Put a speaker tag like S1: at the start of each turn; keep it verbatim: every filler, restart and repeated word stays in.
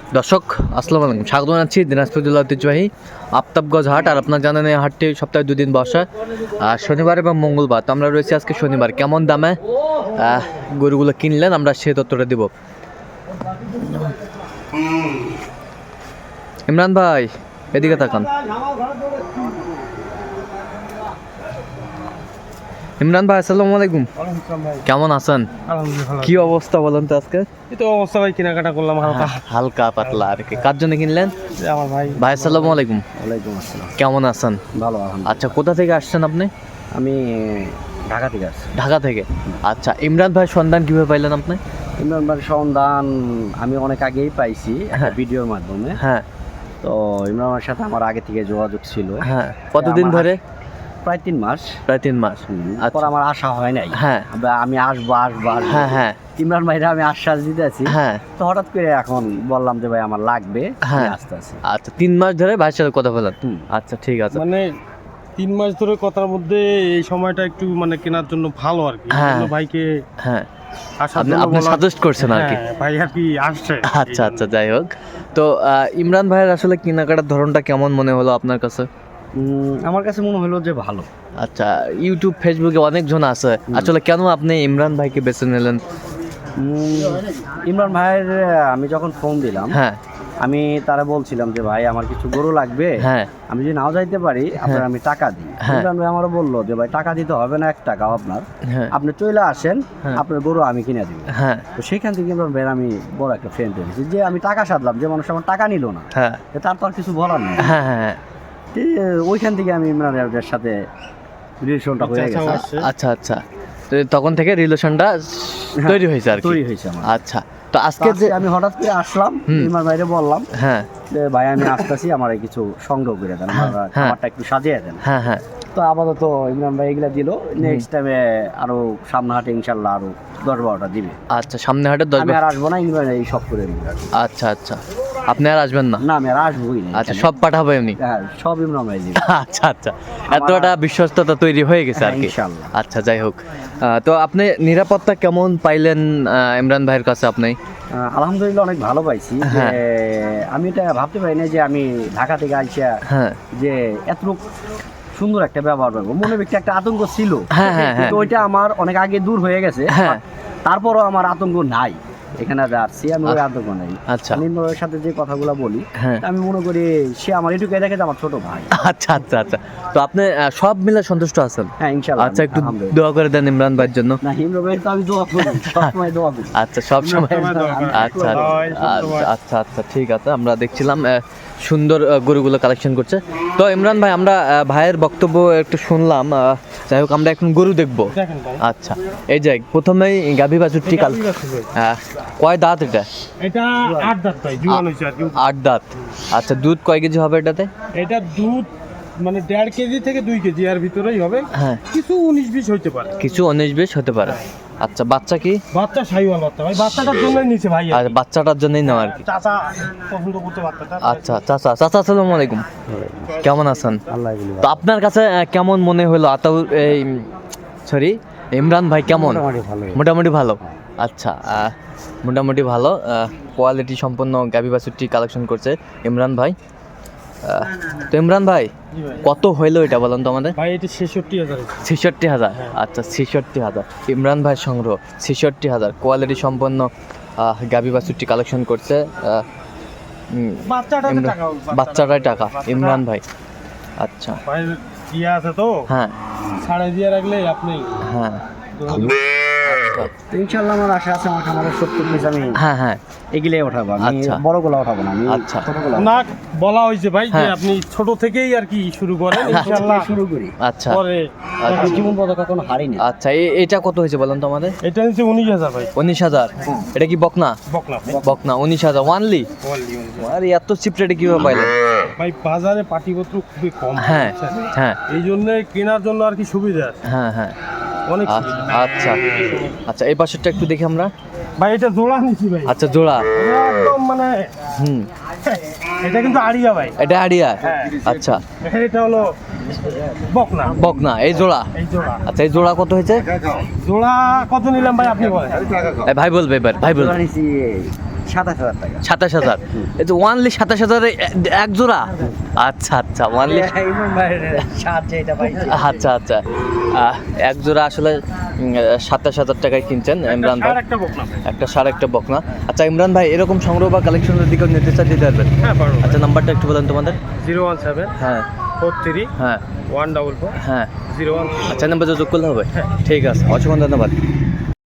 S1: দর্শক আসসালামু আলাইকুম, স্বাগত জানাচ্ছি দিনাজপুর জেলা ঐতিহ্যবাহী আফতাবগঞ্জ হাট। আর আপনার জানেন এই হাটটি সপ্তাহে দুদিন বসে, আর শনিবার এবং মঙ্গলবার। তো আমরা রয়েছি আজকে শনিবার। কেমন দামে আহ, গরুগুলো কিনলেন আমরা সেই তথ্যটা দিব। ইমরান ভাই এদিকে তাকান। ইমরান ভাই আসসালামু আলাইকুম, কেমন আছেন? কি অবস্থা বলেন তো আজকে?
S2: এই তো অবস্থা ভাই, কেনাকাটা করলাম হালকা
S1: হালকা পাতলা আর কি। কার জন্য কিনলেন?
S2: আমার ভাই।
S1: ভাই আসসালামু আলাইকুম।
S2: ওয়ালাইকুম আসসালাম।
S1: কেমন আছেন?
S2: ভালো
S1: আচ্ছা, কোথা থেকে আসছেন আপনি?
S2: আমি ঢাকা থেকে আসছি।
S1: ঢাকা থেকে। আচ্ছা, ইমরান ভাই সন্ধান কিভাবে পাইলেন আপনি?
S2: ইমরান ভাইয়ের সন্ধান আমি অনেক আগেই পাইছি একটা
S1: হ্যাঁ।
S2: ভিডিওর মাধ্যমে।
S1: হ্যাঁ
S2: তো ইমরান ভাইয়ের সাথে আমার আগে থেকে যোগাযোগ ছিল।
S1: হ্যাঁ। কতদিন
S2: আমার
S1: ধরে?
S2: প্রায় তিন মাস।
S1: প্রায় তিন মাস।
S2: তারপর
S1: আচ্ছা।
S2: আমার আশা হয় নাই।
S1: হ্যাঁ।
S2: বা- আমি আসবো আসবো আসবো।
S1: হ্যাঁ হ্যাঁ
S2: ইমরান ভাইরা আমি আশ্বাস দিতে আছি।
S1: হ্যাঁ
S2: তো হঠাৎ করে এখন বললাম যে ভাই আমার লাগবে,
S1: হ্যাঁ।
S2: আমি আসতে আছি।
S1: আচ্ছা, তিন মাস ধরে ভাইয়ের সাথে কথা বলেন?
S2: হুম।
S1: আচ্ছা ঠিক আছে।
S3: মানে তিন মাস ধরে কথার মধ্যে এই সময়টা একটু মানে কেনার জন্য ভালো আর কি।
S1: হ্যাঁ।
S3: এই জন্য ভাইকে
S1: হ্যাঁ,
S3: আসার
S1: আপনি
S3: জন্য
S1: আপনি
S3: বলা-
S1: সাজেস্ট করছেন আর কি।
S3: হ্যাঁ, ভাই আর কি আসছে।
S1: আচ্ছা আচ্ছা, যাই হোক। তো আহ, ইমরান ভাইয়ের আসলে কেনাকাটার ধরনটা কেমন মনে হলো আপনার কাছে?
S2: উম, আমার কাছে মনে হলো যে ভালো।
S1: আচ্ছা, ইউটিউব ফেসবুকে অনেকজন আছে, আসলে কেন আপনি ইমরান ভাইকে বেছে নিলেন?
S2: উম, ইমরান ভাইয়ের আমি যখন ফোন দিলাম,
S1: হ্যাঁ
S2: আমি তারা বলছিলাম যে ভাই আমার কিছু গরু লাগবে,
S1: হ্যাঁ
S2: আমি যদি নাও যাইতে পারি আপনার আমি টাকা দিই।
S1: হ্যাঁ।
S2: ইমরান ভাই আমারও বললো যে ভাই টাকা দিতে হবে না, এক টাকাও আপনার,
S1: হ্যাঁ
S2: আপনি চলে আসেন,
S1: হ্যাঁ।
S2: আপনার গরু আমি কিনে দিব।
S1: হ্যাঁ
S2: তো সেখান থেকে ইমরান ভাইয়ের আমি বড় একটা ফ্রেন্ড হয়েছি যে আমি টাকা সাধলাম, যে মানুষ আমার টাকা নিল না,
S1: হ্যাঁ
S2: তো তার তো আর কিছু বলার নেই।
S1: হ্যাঁ হ্যাঁ।
S2: তো ওইখান থেকে আমি ইমরান ভাইয়ের সাথে রিলেশনটা হয়ে
S3: আচ্ছা,
S2: গেছে।
S3: আসছে।
S1: আচ্ছা আচ্ছা, তো তখন থেকে রিলেশনটা তৈরি হয়েছে আর কি।
S2: তৈরি হয়েছে আমার।
S1: আচ্ছা, তো
S2: তো
S1: আজকে যে
S2: আজকে আমি হঠাৎ করে আসলাম,
S1: হুম।
S2: ইমরান ভাইরে বললাম
S1: হ্যাঁ
S2: যে ভাই আমি আসতেছি, আমার এই কিছু সংগ্রহ করে দেন, আমার
S1: হ্যাঁ।
S2: খাবারটা একটু সাজিয়ে দেন।
S1: হ্যাঁ হ্যাঁ
S2: তো আপাতত ইমরান ভাই এগুলা দিল, নেক্সট টাইমে আরো সামনে হাটে ইনশাল্লাহ আরো দশ বারোটা দিবে।
S1: আচ্ছা, সামনে হাটে দশ
S2: আমি
S1: বার-
S2: আর আসবো না, ইমরান এই সব করে দিবে।
S1: আচ্ছা আচ্ছা, আপনি আর আসবেন না?
S2: না আমি আর আসবোই না
S1: আচ্ছা,
S2: এখানে।
S1: সব পাঠাবো এমনি?
S2: হ্যাঁ, সব ইমরান ভাই দিবে।
S1: আচ্ছা আচ্ছা, এতটা বিশ্বস্ততা তৈরি হয়ে গেছে আর
S2: হ্যাঁ,
S1: কি।
S2: ইনশাল্লাহ।
S1: আচ্ছা, যাই হোক। আহ, তো আপনি নিরাপত্তা কেমন পাইলেন আহ, ইমরান ভাইয়ের কাছে আপনি?
S2: আহ, আলহামদুলিল্লাহ অনেক ভালো পাইছি। যে
S1: হ্যাঁ।
S2: আমি এটা ভাবতে পারি না যে আমি ঢাকা থেকে আইসা
S1: হ্যাঁ
S2: যে এত সুন্দর একটা ব্যবহার পাবো। মনে ব্যক্তি একটা আতঙ্ক ছিল,
S1: হ্যাঁ, হ্যাঁ,
S2: কিন্তু
S1: হ্যাঁ।
S2: ওইটা আমার অনেক আগে দূর হয়ে গেছে।
S1: হ্যাঁ।
S2: তারপরও আমার আতঙ্ক নাই, এখানে আসছি আমি, ওই আতঙ্ক নাই।
S1: আচ্ছা।
S2: আমি ইমরানের সাথে যে কথাগুলো বলি,
S1: হ্যাঁ।
S2: আমি মনে করি সে আমার এটুকুই দেখে যে আমার ছোট ভাই।
S1: আচ্ছা আচ্ছা আচ্ছা, তো আপনি আহ, সব মিলে সন্তুষ্ট আছেন?
S2: হ্যাঁ ইনশাআল্লাহ।
S1: আচ্ছা, একটু
S2: আলহামদুলিল্লাহ।
S1: দোয়া করে দেন ইমরান ভাইয়ের জন্য।
S2: না ইমরান ভাই তো আমি দোয়া করি, সবসময় দোয়া করি।
S1: আচ্ছা, সব সময়।
S3: সবসময় দোয়া করেন।
S1: আচ্ছা
S3: হয়,
S1: আচ্ছা
S3: সবসময়।
S1: আচ্ছা আচ্ছা, ঠিক আছে। আমরা দেখছিলাম আহ, সুন্দর আহ, গরুগুলো কালেকশন করছে। তো ইমরান ভাই, আমরা আহ, ভাইয়ের বক্তব্য একটু শুনলাম। আহ, যাই হোক, আমরা এখন গরু দেখবো।
S3: দেখেন ভাই,
S1: আচ্ছা, এই যে প্রথমেই গাভী বাছুরটি কাল
S3: গাভী বাছুর ভাই।
S1: আহ, কয় দাঁত এটা?
S3: এটা আট দাঁত ভাই, জুয়ান হয়েছে আর কি।
S1: আট দাঁত। আচ্ছা, দুধ কয় কেজি হবে এটাতে?
S3: এটা দুধ মানে দেড় কেজি থেকে দুই কেজি এর ভিতরেই হবে।
S1: হ্যাঁ,
S3: কিছু উনিশ বিশ হইতে পারে।
S1: কিছু উনিশ বিশ হতে পারে। আচ্ছা, বাচ্চা কি?
S3: বাচ্চা সাইওয়াল বাচ্চা ভাই, বাচ্চাটার জন্য নিচে ভাই।
S1: আর বাচ্চাটার জন্যই নেওয়া আর কি।
S3: চাচা পছন্দ করতে বাচ্চাটা।
S1: আচ্ছা, চাচা চাচা আসসালামু আলাইকুম, কেমন আছেন?
S2: আল্লাহ বলি
S1: তো আপনার কাছে আহ, কেমন মনে হলো আতাউর এই সরি ইমরান ভাই কেমন?
S2: ভালো।
S1: মোটামুটি ভালো। আচ্ছা, আহ, মোটামুটি ভালো। কোয়ালিটি সম্পন্ন গাভী বাছুরটি কালেকশন করছে ইমরান ভাই। আহ, তো ইমরান ভাই,
S3: জি ভাই।
S1: কত হইলো এটা বলেন তো আমাদের?
S3: ভাই এটা ছেষট্টি হাজার।
S1: ছেষট্টি হাজার। আচ্ছা, ছেষট্টি হাজার ইমরান ভাই সংগ্রহ, ছেষট্টি হাজার কোয়ালিটি সম্পন্ন আহ, গাভী বাছুরটি কালেকশন করছে। আহ, উম,
S3: বাচ্চাটাতে
S1: ইমরান-
S3: টাকা
S1: বাচ্চাটাই টাকা ইমরান ভাই। আচ্ছা,
S3: ভাই ইয়ে আছে তো,
S1: হ্যাঁ
S3: সাড়ে দিয়ে রাখলে আপনি
S1: হ্যাঁ
S2: তো ইনশাআল্লাহ আমার আশা আছে, আমার খামারের সত্তর পিস আমি
S1: হ্যাঁ হ্যাঁ
S2: এগুলাই ওঠাবো। আমি
S1: আচ্ছা।
S2: বড়গুলো ওঠাবো না, আমি
S1: আচ্ছা।
S2: ছোটগুলো
S3: না বলা হয়েছে ভাই যে
S1: হ্যাঁ।
S3: আপনি ছোট থেকেই আর কি শুরু করেন,
S2: ইনশাআল্লাহ
S3: ইনশাআল্লাহ
S2: শুরু করি।
S1: আচ্ছা
S3: পরে।
S2: আমি জীবন পথে কখনো হারিনি।
S1: আচ্ছা, এ- এটা কত হয়েছে বলেন তো আমাদের?
S3: এটা হচ্ছে উনিশ হাজার ভাই,
S1: উনিশ হাজার। এটা কি বকনা?
S3: বকলা
S1: বকনা উনিশ হাজার ওয়ানলি। আরে এত চিপ রেটে কিভাবে পাইলেন?
S3: ভাই বাজারে পাটিপত্র খুবই কম,
S1: হ্যাঁ
S3: বুঝছেন?
S1: হ্যাঁ
S3: এই জন্য কেনার জন্য আর কি সুবিধা আছে,
S1: হ্যাঁ হ্যাঁ।
S3: অনেক
S1: আচ্ছা
S3: সুবিধা।
S1: আচ্ছা আচ্ছা, এই পাশেরটা একটু দেখি আমরা।
S3: ভাই এটা জোড়া নিছি ভাই,
S1: আচ্ছা, জোড়া।
S3: এটা একদম মানে
S1: হুম,
S3: এটা কিন্তু আড়িয়া ভাই।
S1: এটা হাড়িয়া।
S3: হ্যাঁ।
S1: আচ্ছা,
S3: এটা হলো বকনা,
S1: বকনা এই জোড়া।
S3: এই জোড়া।
S1: আচ্ছা, এই জোড়া কত হয়েছে?
S3: জোড়া কত নিলাম ভাই আপনি বলেন?
S1: এই ভাই বলবে এবার, ভাই বলবে।
S2: নিছি সাতাশ হাজার টাকা
S1: সাতাশ হাজার এই যে ওয়ানলি সাতাশ হাজারে এক জোড়া আচ্ছা আচ্ছা ওয়ানলি
S2: ইমরান ভাইয়ের সাত যেটা পাইছি
S1: আচ্ছা আচ্ছা আহ, এক জোড়া আসলে উম, সাতাশ হাজার টাকায় কিনছেন ইমরান ভাই
S3: আর একটা বকনা
S1: একটা সার একটা বকনা আচ্ছা ইমরান ভাই এরকম সংগ্রহ বা কালেকশনের দিকেও নির্দেশটা দিতে পারবেন
S3: হ্যাঁ পারবো
S1: আচ্ছা নাম্বারটা একটু বলেন তোমাদের
S3: জিরো ওয়ান সেভেন
S1: হ্যাঁ
S3: ফোর থ্রি
S1: হ্যাঁ
S3: ওয়ান ডাবল ফোর
S1: হ্যাঁ
S3: জিরো ওয়ান
S1: আচ্ছা নাম্বার যোগ করলে হবে ঠিক আছে অসংখ্য ধন্যবাদ